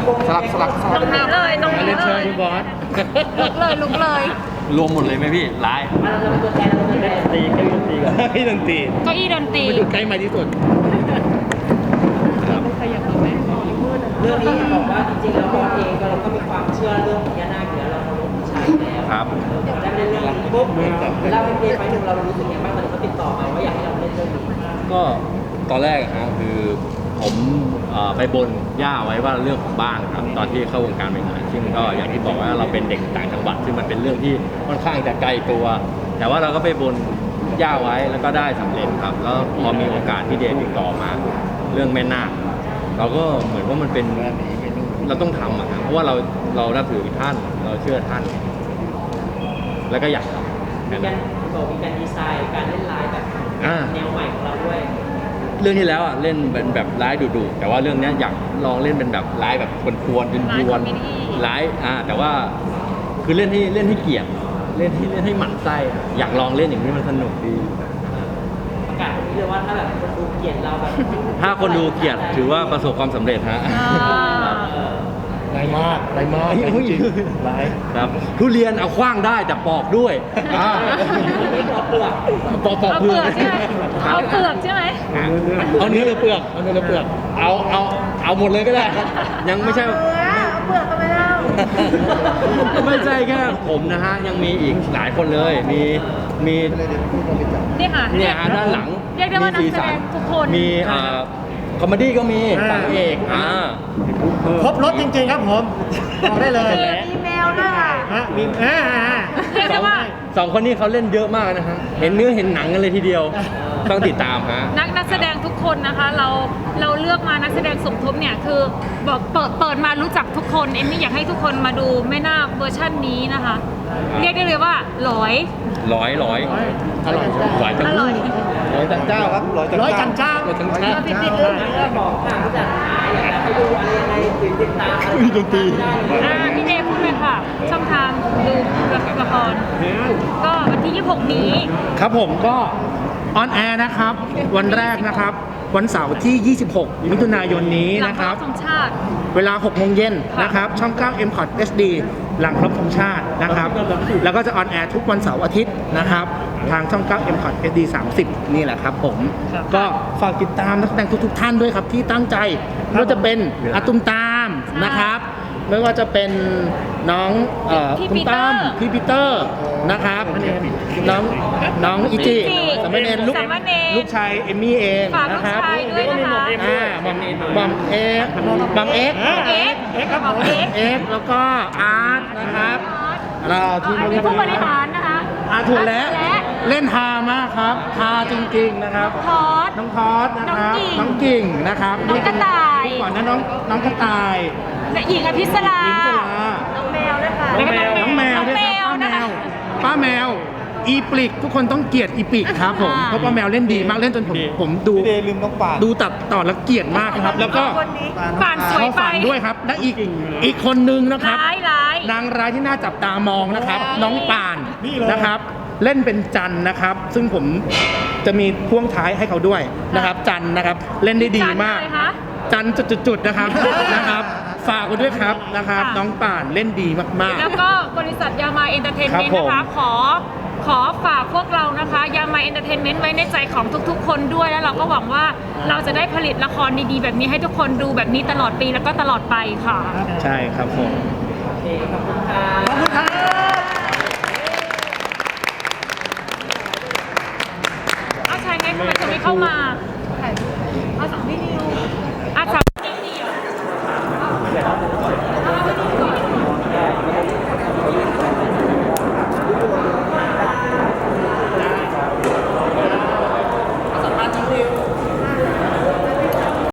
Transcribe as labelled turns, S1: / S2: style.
S1: ตรงนี้เลยตรงนี้เลย
S2: คุณบอส
S1: ลุกเลย
S3: รวมหมดเลยไหมพี่ร้ายตีเก้าอี้ดนตรีก่อน
S2: ให้ดนตรี
S1: เก้าอี้ดนตรี
S2: ไปดูใกล้มาที่สุด
S4: เรื่องนี้บอกว่าจริงๆแล้วบอสเองเราก็มีความเชื่อเรื่องพญานาคอยู่แล้วเราเคารพบูชาอยู่แล้ว
S3: ครับ
S4: ได้เล่นเรื่องนี้ปุ๊บเราเป็นเพลงไปหนึ่งเรารู้สึกยังไงบ้างตอนนี้เขาติดต่อมาว่าอยากให้เราเล่นเรื่องนี้
S3: ก็ตอนแรกฮะคือผมไปบนย่าไว้ว่าเรื่องของบ้านครับตอนที่เข้าวงการใหม่ๆซึ่งก็อย่างที่บอกว่าเราเป็นเด็กต่างจังหวัดซึ่งมันเป็นเรื่องที่ค่อนข้างจะไกลตัว แต่ว่าเราก็ไปบนย่าไว้แล้วก็ได้สำเร็จครับแล้วพอมีโอกาสที่เดนติดต่อมาเรื่องแม่นาคเราก็เหมือนว่ามันเป็นเราต้องทำอะครับเพราะว่าเรานับถือท่านเราเชื่อท่าน แล้วก็อยากทำ
S4: มีการมีการดีไซน์การเล่นไลน์แบบแนวใหม่ของเราด้วย
S3: เรื่องที่แล้วอ่ะเล่นเป็นแบบร้ายดุๆแต่ว่าเรื่องนี้อยากลองเล่นเป็นแบบร้ายแบบกวนๆเป็นกวนร้ายแต่ว่าคือเล่นให้เกียรติเล่นให้หมั่นไส้อยากลองเล่นอย่างนี้มันสนุกดี
S4: ประกาศตรงนี้เลยว่าถ้าแบบคนดูเกลียดเราแบบ
S3: ถ้าคนดูเกียรติถือว่าประสบความสำเร็จฮะ
S2: ไรมากไรมากจริงไร
S3: ครับทุเรียนเอาขว้างได้แต่ปอกด้วย
S4: ไม่ปอกเปลือก
S3: ปอก
S1: เอา
S3: เป
S1: เป
S3: ลื
S1: ลื
S3: อ
S1: อก กใช่ไหมเอาเปลือกใช่ไหม
S3: เอาเนื้อหรือเปลือกเอาเนื้อหรือเปลือกเอาหมดเลยก็ได้ยังไม่ใช่
S1: เอาเปลือกกันไปแล้ว
S3: ไม่ใช่แค่ผมนะฮะยังมีอีกหลายคนเลยมี
S1: นี่ค่ะ
S3: เนี่ยฮะด้านหลัง
S1: เรียกได้ว่านักแสดงทุกคน
S3: มีคอมเมดี้ก็มีฝั่งเอก
S2: ครบรถจริงๆครับผมบอกได้เลย
S1: มีแมวด้วยค่ะ
S2: ฮะมี
S1: เรียกได้ว่า
S3: สองคนนี้เขาเล่นเยอะมากนะฮะเห็นเนื้อเห็นหนังกันเลยทีเดียวต้องติดตามฮะ
S1: นักแสดงทุกคนนะคะเราเลือกมานักแสดงสมทบเนี่ยคือบอกเปิดมารู้จักทุกคนเอมมี่อยากให้ทุกคนมาดูแม่นาคเวอร์ชันนี้นะคะ เรียกได้เลยว่าร้อย
S3: อร่อยจัง
S1: อร่อย
S3: ร้อยจังเจ้าครับร้อยจังเจ้า
S1: ปิดเรื่อง
S4: บอกค่ะผู้จัดหาอยากจะให้ดูอะไรยังไงติดตาม
S3: มีดนตรี
S1: พี่เดพูดเลยค่ะ ช่องทางดูละครก็วันที่ 26 นี้
S2: ครับผมก็ออนแอร์นะครับ วันแรกนะครับ วันเสาร์ที่ 26 มิถุนายนนี้
S1: หลัง
S2: นะ
S1: เค
S2: ค
S1: รา
S2: รับ
S1: ะห์ธงชาติ
S2: เวลา 6 โมงเย็นนะครับ ช่อง 9 m c o t HD หลังครบธงชาตินะครับ แล้วก็จะออนแอร์ทุกวันเสาร์อาทิตย์นะครับ ทางช่อง 9 m c o t HD 30 นี่แหละครับผม
S1: ครับ
S2: ก็ฝากติดตามนักแสดงทุกๆท่านด้วยครับที่ตั้งใจไม่ว่าจะเป็นอาตุมตามนะครับ ไม่ว่าจะเป็นน้องตุ้มตามพี่ปีเตอร์นะครับ น้องอิจิสามเณรลูกชายเอมมี่เอง
S1: ฝากลู
S2: นะ
S1: ก
S2: ครับ
S1: ชายด้วยนะคะ
S2: บอมเอ็ก
S1: เอ็กครับผมเอ็ก
S2: เอ็กแล้วก็อาร์ตนะครับเราที่
S1: อันนี้ผู้บริหารนะคะ
S2: ถูกแล้วเล่นฮามากครับฮาจริงๆนะครับ
S1: ทอด
S2: น้องทอสนะครับ
S1: น้
S2: น้
S1: อ
S2: อง ง
S1: กิ่
S2: กิ่
S1: ง
S2: งนะครับ
S1: น้องกระต่าย
S2: ก่อนนะน้องกระต่าย
S1: และหญิงอภิสรา
S2: หญิงสลา
S1: น้องแมวด้วยค่ะ
S2: น้องแมวด้วยครับป้าแมวอีปลิกทุกคนต้องเกลียดอีปลิกครับผมเพราะป้าแมวเล่นดีมากเล่นจนผมดูดูตัดต่อแล้วเกลียดมากนะครับ แล้วก็
S1: ป่านสวย
S2: เขา
S1: ไป
S2: ฝันด้วยครับและอีกคนนึงนะครับ
S1: ร้าย
S2: นางร้ายที่น่าจับตามองนะครับ น้องป่านนะครับ เล่นเป็นจันนะครับ ซึ่งผมจะมีพ่วงท้ายให้เขาด้วยนะครับ จันนะครับ เล่นได้ดีมาก
S1: จันอะไรคะ
S2: จันจุดๆนะครับ นะครับ ฝากกันด้วยครับนะครับ
S1: ค่ะ
S2: น้องป่านเล่นดีมาก
S1: แล้วก็บริษัทยามาเอนเตอร์เทนเมนต์
S2: ครับผม
S1: นะคะขอฝากพวกเรานะคะยามาเอนเตอร์เทนเมนต์ไว้ในใจของทุกๆ คนด้วยแล้วเราก็หวังว่าเราจะได้ผลิตละครดีๆ แบบนี้ให้ทุกคนดูแบบนี้ตลอดปีแล้วก็ตลอดไปค่ะ
S2: ๆ ใช่ครับผม
S4: โอเคขอบคุณค่ะ
S2: ขอบคุณครับ
S1: อ้าวใช่ไงทำไมจะไม่เข้ามา